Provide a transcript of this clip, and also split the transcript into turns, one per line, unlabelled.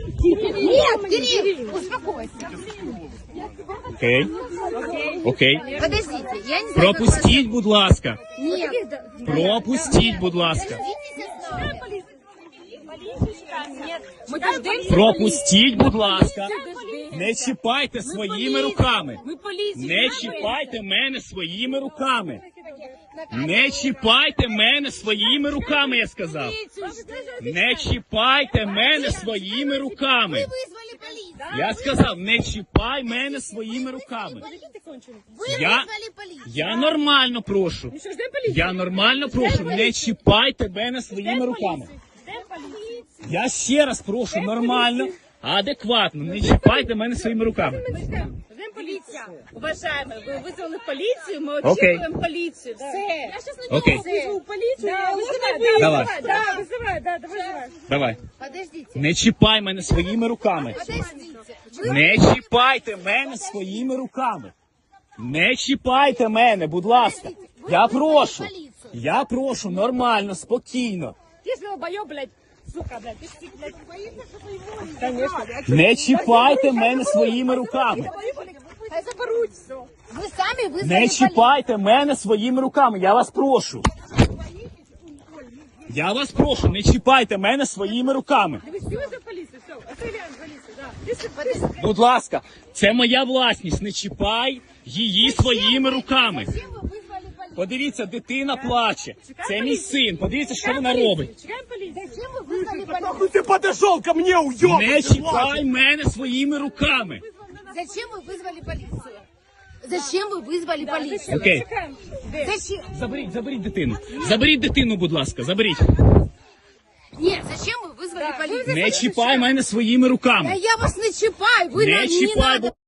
Нет, Кирилл, успокойся.
Окей. Окей.
Подождите, я не знаю,
Пропустіть, будь ласка.
Нет.
Пропустіть, будь ласка.
Подождите.
Пропустіть, будь ласка. Не чіпайте своїми руками. Не чіпайте мене своїми руками. Не чіпайте мене своїми руками, я сказав. Не чіпайте мене своїми руками.
Вызвали полицию.
Я сказав, не чіпай мене своїми руками.
Вы
Я-
вызвали полицию.
Я нормально прошу. Я нормально прошу, не чіпайте мене своїми руками. Я ще раз прошу, нормально, адекватно, не чіпайте мене своїми руками.
Полиция. Уважаемые, вы вызвали полицию, мы
Окей.
очікуємо полицию. Да. Я сейчас
Окей,
вызову полицию. Да,
давай,
вызывай, давай.
давай.
Подождите.
Не чіпай мене своїми руками.
Подождите. Вы
Не чіпайте мене своїми руками. Не чіпайте мене, будь ласка. Я прошу. Я прошу, нормально, спокійно.
Ты же долбоёб, блядь, сука, блядь. Ты ж, блядь, конечно.
Не чіпайте мене своїми руками.
Хай заберуть все.
Вы сами вызвали
Не чіпайте мене своїми руками, я вас прошу. Я вас прошу, не чіпайте мене своїми руками.
Вы все за полицию, все. Отстреляем полицию, да. Ты ж,
Будь ласка, це моя власність, не чіпай її своїми руками.
Зачем вы вызвали полицию?
Подивіться, дитина плаче. Це мій син, подивіться, що вона робить.
чекаем полицию.
Зачем вы вызвали полицию?
Нахуй ты подошел ко мне, уёбок!
Не чіпай мене своїми руками.
Зачем вы вызвали полицию? Зачем вы вызвали полицию?
Окей,
Чекаем.
Зачем?
заберіть дитину. Заберіть дитину, будь ласка, заберіть.
Нет, зачем вы вызвали полицию?
Не чіпай мене своїми
Да
руками.
я вас не чіпаю, вы
Не
не
чіпай,
надо.